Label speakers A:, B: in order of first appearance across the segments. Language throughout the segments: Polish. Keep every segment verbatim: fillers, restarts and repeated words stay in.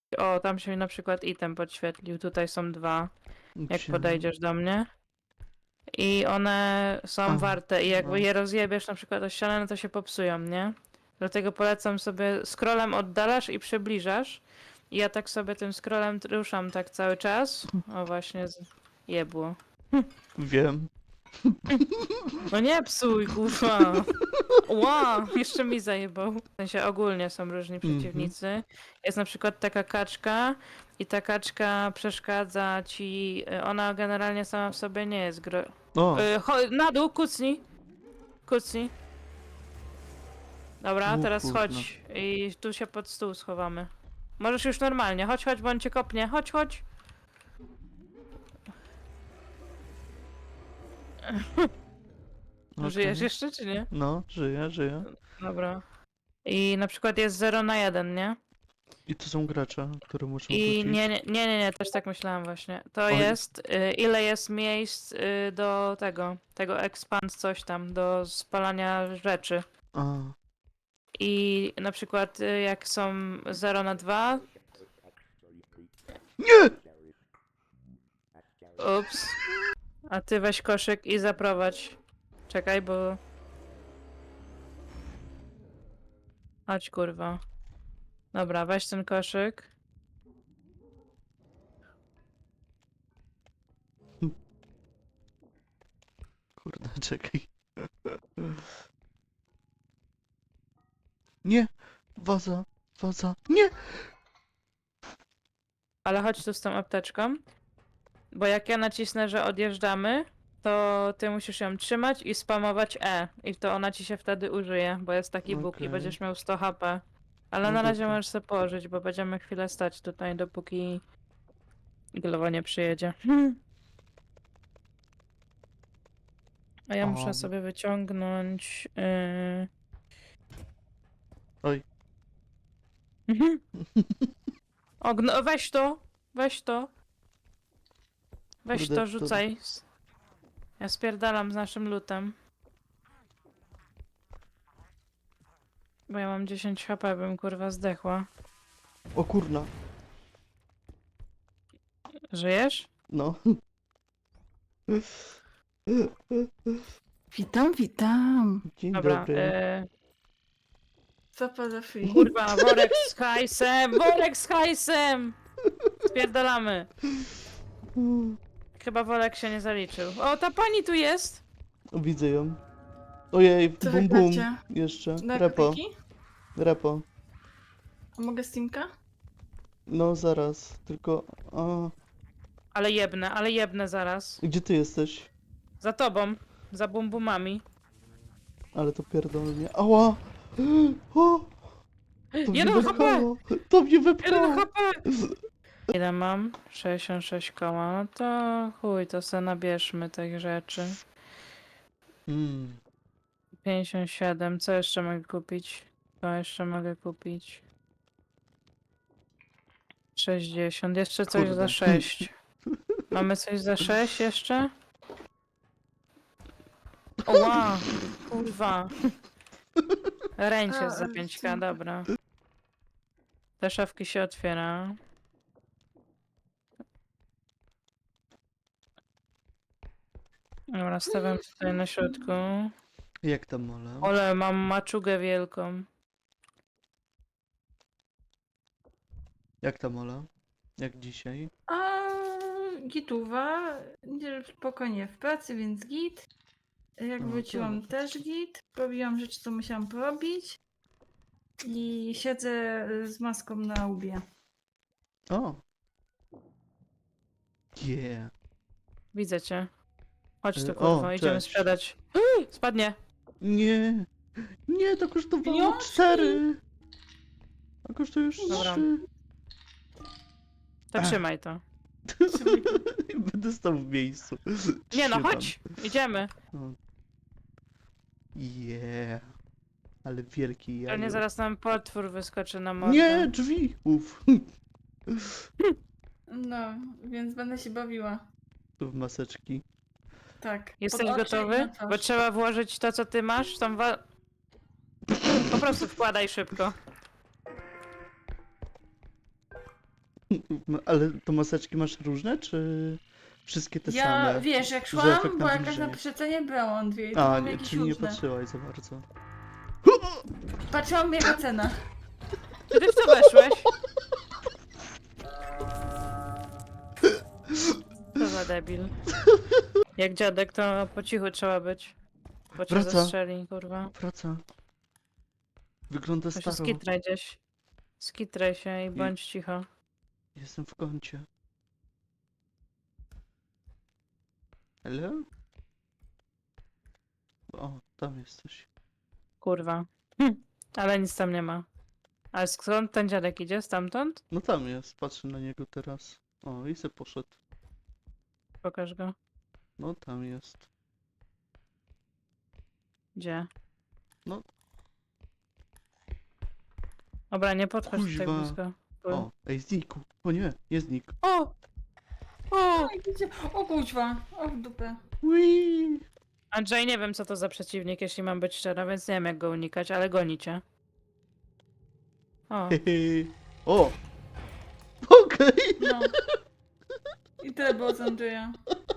A: O, tam się na przykład item podświetlił. Tutaj są dwa, jak
B: Gdzie?
A: podejdziesz do mnie. I one są
B: A,
A: warte i jakby
B: no.
A: je rozjebiesz na przykład o ścianę, no to się popsują, nie? Dlatego polecam sobie, scrollem oddalasz i przybliżasz. I ja tak sobie tym scrollem ruszam tak cały czas. O właśnie, z... jebło.
B: Wiem.
A: No nie psuj, kurwa. Ła, jeszcze mi zajebał. W sensie ogólnie są różni
B: Mhm.
A: przeciwnicy. Jest na przykład taka kaczka i ta kaczka przeszkadza ci. Ona generalnie sama w sobie nie jest gro...
B: O,
A: Y, cho- na dół, kucnij. Kucnij. Dobra,
B: O
A: teraz
B: kurna.
A: chodź i tu się pod stół schowamy. Możesz już normalnie. Chodź, chodź, bo on cię kopnie. Chodź, chodź.
B: okej.
A: Żyjesz jeszcze, czy nie?
B: No, żyję, żyję.
A: Dobra. I na przykład jest zero na jeden, nie?
B: I to są gracze, które muszą
A: I
B: wrócić.
A: nie, nie, nie, nie, nie, też tak myślałam właśnie. To
B: Oj.
A: jest, y, ile jest miejsc y, do tego, tego expand coś tam, do spalania rzeczy.
B: A,
A: I na przykład y, jak są zero na dwa,
B: nie!
A: ups, a ty weź koszyk i zaprowadź. Czekaj, bo... Chodź, kurwa. Dobra, weź ten koszyk.
B: Kurde, czekaj. Nie! Waza, waza, nie!
A: Ale chodź tu z tą apteczką. Bo jak ja nacisnę, że odjeżdżamy, to ty musisz ją trzymać i spamować E. I to ona ci się wtedy użyje, bo jest taki bóg i
B: Okej.
A: będziesz miał sto H P. Ale
B: No
A: na razie
B: dobra.
A: możesz sobie położyć, bo będziemy chwilę stać tutaj, dopóki Glowa nie przyjedzie. A ja muszę
B: O.
A: sobie wyciągnąć... Yy...
B: Oj.
A: Mhm. O, gno... weź to! Weź to! Weź
B: Kurde,
A: to,
B: to-
A: rzucaj. Ja spierdalam z naszym lutem. Bo ja mam dziesięć H P, bym kurwa zdechła.
B: O kurna.
A: Żyjesz?
B: No.
C: Witam, witam.
B: Dzień
A: Dobra.
B: dobry.
A: E...
C: Co pada free?
A: Kurwa, worek z hajsem! Worek z hajsem! Spierdalamy. Chyba worek się nie zaliczył. O, ta pani tu jest!
B: O, widzę ją. Ojej,
C: Co
B: bum bum.
C: wygracie?
B: Jeszcze.
C: Na
B: Repo,
C: kopiki?
B: repo.
C: A mogę Steamka?
B: No zaraz, tylko... A,
A: Ale jebne, ale jebne zaraz.
B: gdzie ty jesteś?
A: Za tobą. Za bumbumami.
B: Ale to pierdolnie. Ała! O! To mnie
A: Jeden H P!
B: wepchało! To mnie
A: jeden
B: wepchało!
A: H P! Ile mam? sześćdziesiąt sześć koła. No to chuj, to se nabierzmy tych rzeczy.
B: Mm.
A: pięćdziesiąt siedem. Co jeszcze mogę kupić? Co jeszcze mogę kupić? sześćdziesiąt. Jeszcze coś
B: Kurde.
A: za sześć. Mamy coś za sześć jeszcze? Oła! Kurwa. Ręcz jest za
C: A,
A: pięć K,
C: dziękuję.
A: dobra. Te szafki się otwiera. Dobra, stawiam tutaj na środku.
B: Jak tam, Mola?
A: Ole, mam maczugę wielką.
B: Jak tam, Mola? Jak dzisiaj?
C: A gituwa. Nie, spokojnie w pracy, więc git. Jak
B: O,
C: wróciłam
B: tak.
C: też git. Robiłam rzeczy, co musiałam porobić. I siedzę z maską na łbie.
B: O! Yeah.
A: Widzę cię. Chodź tu,
B: Y,
A: kurwa,
B: o,
A: idziemy
B: cześć.
A: sprzedać. Spadnie.
B: Nie! Nie, to kosztowało
C: Pieniążki!
B: cztery! A kosztuje już
A: Dobra.
B: trzy.
A: To
B: Ach.
A: trzymaj to.
B: Będę stał w miejscu.
A: Nie no,
B: Trzymam.
A: chodź! Idziemy.
B: O. Yeah. Ale wielki
A: Pewnie
B: jajo.
A: zaraz nam potwór wyskoczy na mordę.
B: Nie, drzwi! Uf.
C: No, więc będę się bawiła.
B: W maseczki.
C: Tak.
A: Jesteś
C: pod oczy i
A: gotowy?
C: na twarz.
A: Bo trzeba włożyć to, co ty masz. Tam wa... Po prostu wkładaj szybko.
B: No, ale to maseczki masz różne, czy wszystkie te
C: Ja,
B: same?
C: wiesz, jak
B: że
C: szłam,
B: efekt
C: bo jakaś
B: nawilżenia.
C: napisze cenie brałam dwie i to
B: A,
C: mam
B: nie,
C: jakieś
B: czyli nie
C: różne.
B: patrzyłaś za bardzo.
C: Patrzyłam jaka cena.
A: Czy ty w to weszłeś? Co za debil. Jak dziadek, to po cichu trzeba być. Bo cię
B: Wraca.
A: zastrzeli, kurwa.
B: Wraca. Wygląda
A: To się
B: staro.
A: skitraj gdzieś. Skitraj się i bądź cicho.
B: Jestem w kącie. Hello? O, tam jesteś.
A: Kurwa. Hm. Ale nic tam nie ma. Ale skąd ten dziadek idzie? Stamtąd?
B: No tam jest, patrzę na niego teraz. O, i se poszedł.
A: Pokaż go.
B: No tam jest.
A: Gdzie?
B: No.
A: Dobra, nie podchodź tak
B: Kuźwa.
A: blisko. Tu.
B: O, ej, znikł. O nie, nie znikł.
A: O! O!
C: Oj, gdzie- O kuźwa, o w dupę.
B: Ui.
A: Andrzej, nie wiem co to za przeciwnik, jeśli mam być szczera, więc nie wiem jak go unikać, ale goni cię. O,
B: Hehe. O! Okej.
C: No. I tyle było z Andrzeja.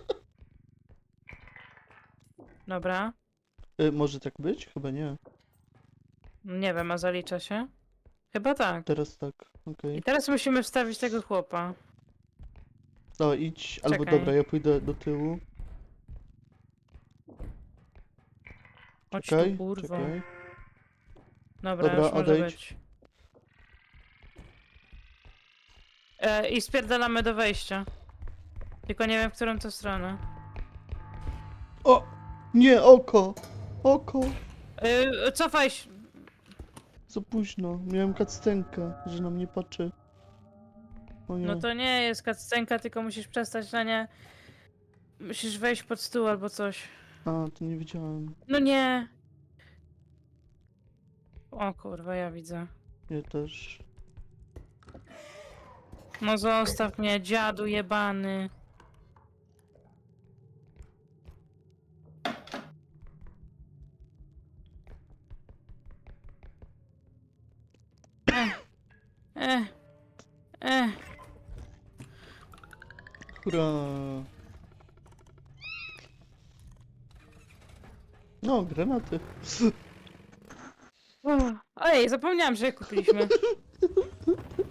A: dobra.
B: E, może tak być? Chyba nie.
A: Nie wiem, a zalicza się? Chyba tak.
B: Teraz tak, okej.
A: I teraz musimy wstawić tego chłopa.
B: No idź, albo
A: Czekaj.
B: dobra, ja pójdę do tyłu.
A: Chodź
B: Czekaj,
A: tu, kurwa.
B: czekaj.
A: Dobra,
B: Dobra,
A: już może
B: odejdź.
A: być. E, I spierdalamy do wejścia. Tylko nie wiem, w którą to stronę.
B: O! Nie, oko! Oko!
A: E, cofaj się.
B: Za późno. Miałem kactenkę, że na mnie patrzy. O nie.
A: No to nie jest cutscenka, tylko musisz przestać na nie... Musisz wejść pod stół albo coś.
B: A, to nie wiedziałem.
A: No nie! O kurwa, ja widzę.
B: Ja też.
A: No zostaw mnie, dziadu jebany. Eh, eh, eh.
B: Hurra! No, granaty.
A: Uff. Ojej, zapomniałam, że je kupiliśmy.